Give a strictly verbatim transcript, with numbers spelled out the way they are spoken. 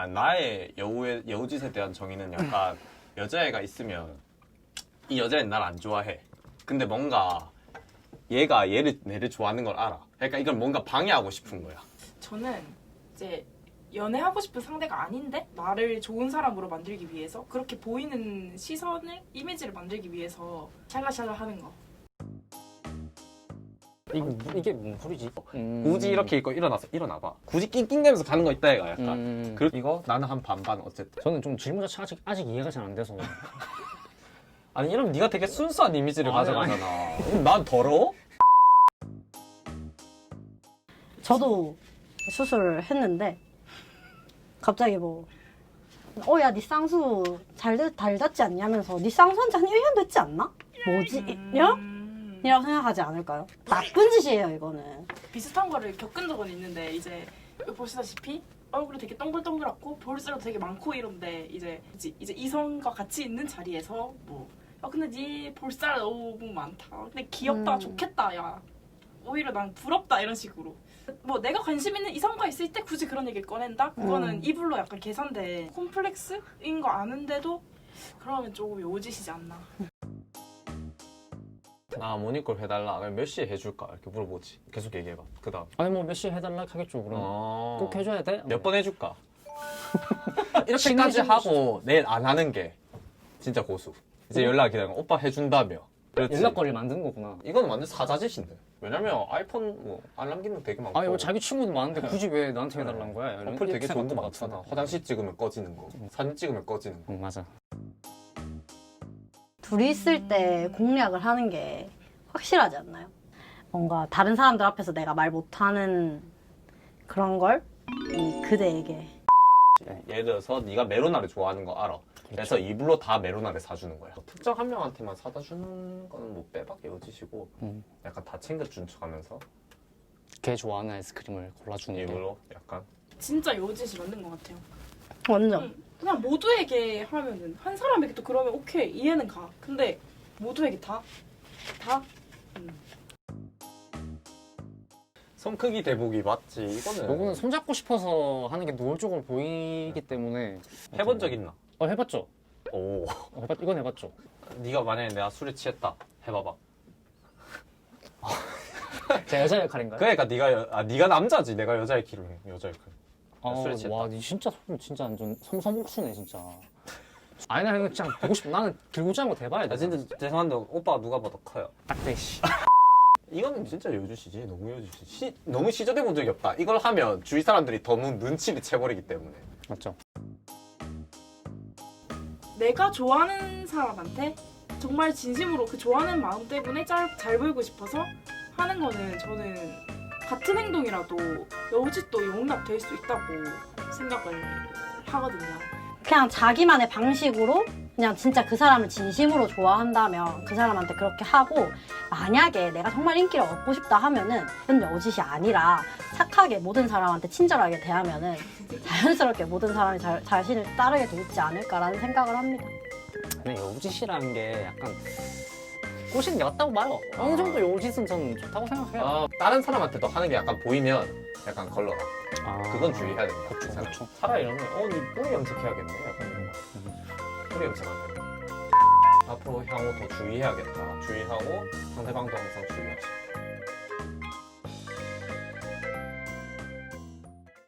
아, 나의 여우의 여우짓에 대한 정의는 약간 여자애가 있으면 이 여자애는 날 안 좋아해. 근데 뭔가 얘가 얘를 내를 좋아하는 걸 알아. 그러니까 이걸 뭔가 방해하고 싶은 거야. 저는 이제 연애하고 싶은 상대가 아닌데 나를 좋은 사람으로 만들기 위해서 그렇게 보이는 시선을 이미지를 만들기 위해서 샬라샬라 하는 거. 이게, 이게 뭔 소리지? 음. 굳이 이렇게 입고 일어나서 일어나봐. 굳이 낑낑대면서 가는 거 있다 얘가 약간. 음. 그 이거 나는 한 반반 어쨌든. 저는 좀 질문 자체가 아직, 아직 이해가 잘 안 돼서. 아니 이러면 네가 되게 순수한 이미지를 아니, 가져가잖아. 그럼 난 더러워? 저도 수술을 했는데 갑자기 뭐 어 야 니 쌍수 잘, 되- 잘 닿지 않냐면서 니 쌍수 한 지 한 일 년 됐지 않나? 뭐지? 일 년? 음, 이라고 생각하지 않을까요? 나쁜 짓이에요 이거는. 비슷한 거를 겪은 적은 있는데 이제 보시다시피 얼굴이 되게 동글동글하고 볼살도 되게 많고 이런데 이제 이제, 이제 이성과 같이 있는 자리에서 뭐 야 근데 네 볼살 너무 많다. 근데 귀엽다, 음. 좋겠다, 야 오히려 난 부럽다 이런 식으로. 뭐 내가 관심 있는 이성과 있을 때 굳이 그런 얘기를 꺼낸다? 그거는 음. 이불로 약간 계산돼. 콤플렉스인 거 아는데도 그러면 조금 요짓이지 않나. 나 모니콜 해달라. 그럼 몇 시에 해줄까? 이렇게 물어보지. 계속 얘기해봐. 그 다음. 아니 뭐 몇 시에 해달라 하겠죠 그럼. 어... 꼭 해줘야 돼? 몇 번 해줄까? 이렇게까지 친해지고 하고 내일 안 하는 게 진짜 고수. 이제 연락 기다리면 오빠 해준다며. 그렇지. 연락거리를 만드는 거구나. 이거는 완전 사자짓인데. 왜냐면 아이폰 뭐 알람 기능 되게 많고. 아니 뭐 자기 친구도 많은데 굳이 왜 나한테 해달라는 거야? 이런 어플 되게 앱 좋은 거 같은 많잖아. 같은데. 화장실 찍으면 꺼지는 거, 사진 찍으면 꺼지는 거. 응 맞아. 둘이 있을 때 공략을 하는 게 확실하지 않나요? 뭔가 다른 사람들 앞에서 내가 말 못하는 그런 걸 이 그대에게. 예를 들어서 네가 메로나를 좋아하는 거 알아. 그래서 이불로 다 메로나를 사주는 거야. 특정 한 명한테만 사다 주는 거는 뭐 빼박이 여지시고 음. 약간 다 챙겨준 척하면서 걔 좋아하는 아이스크림을 골라주는 게. 일부러 약간 진짜 요짓이 맞는 것 같아요. 완전. 응. 그냥 모두에게 하면은 한 사람에게 또 그러면 오케이 이해는 가. 근데 모두에게 다? 다? 음. 손 크기 대보기 맞지. 이거는 요거는 손잡고 싶어서 하는 게 노골적으로 보이기 때문에. 해본 적 있나? 어 해봤죠. 오. 어, 해봤, 이건 해봤죠. 네가 만약에 내가 술에 취했다 해봐봐. 제 여자 역할인가요? 그러니까 네가 여, 아 네가 남자지. 내가 여자의 키로 해. 여자의 키. 아, 술에 취했다. 와, 니 진짜 소름 진짜 완전 섬섬옥수네 진짜. 아니 나 이거 진짜 보고 싶어. 나는 들고자 한거 대봐야 돼. 아 진짜 죄송한데 오빠 누가 봐도 커요. 딱대 씨. 이거는 진짜 여주시지. 너무 여주시. 시, 너무 시전해 본 적이 없다. 이걸 하면 주위 사람들이 너무 눈치를 채버리기 때문에. 맞죠? 내가 좋아하는 사람한테 정말 진심으로 그 좋아하는 마음 때문에 잘, 잘 보이고 싶어서 하는 거는 저는 같은 행동이라도 여우짓도 용납될 수 있다고 생각을 하거든요. 그냥 자기만의 방식으로 그냥 진짜 그 사람을 진심으로 좋아한다면 그 사람한테 그렇게 하고, 만약에 내가 정말 인기를 얻고 싶다 하면은 그건 여짓이 아니라 착하게 모든 사람한테 친절하게 대하면은 자연스럽게 모든 사람이 자, 자신을 따르게 돼 있지 않을까라는 생각을 합니다. 근데 여우짓이라는 게 약간 꼬시는 게 맞다고 봐요. 어느 정도 여우짓은 저는 좋다고 생각해요. 아, 다른 사람한테도 하는 게 약간 보이면 약간 걸러라. 아, 그건 주의해야 된다. 그쵸, 그 사람. 그쵸. 차라리 이러면 어, 니 뿌리 염색해야겠네. 약간 이런 거. 뿌리 염색하면 앞으로 향후 더 주의해야겠다. 주의하고 상대방도 항상 주의하시고.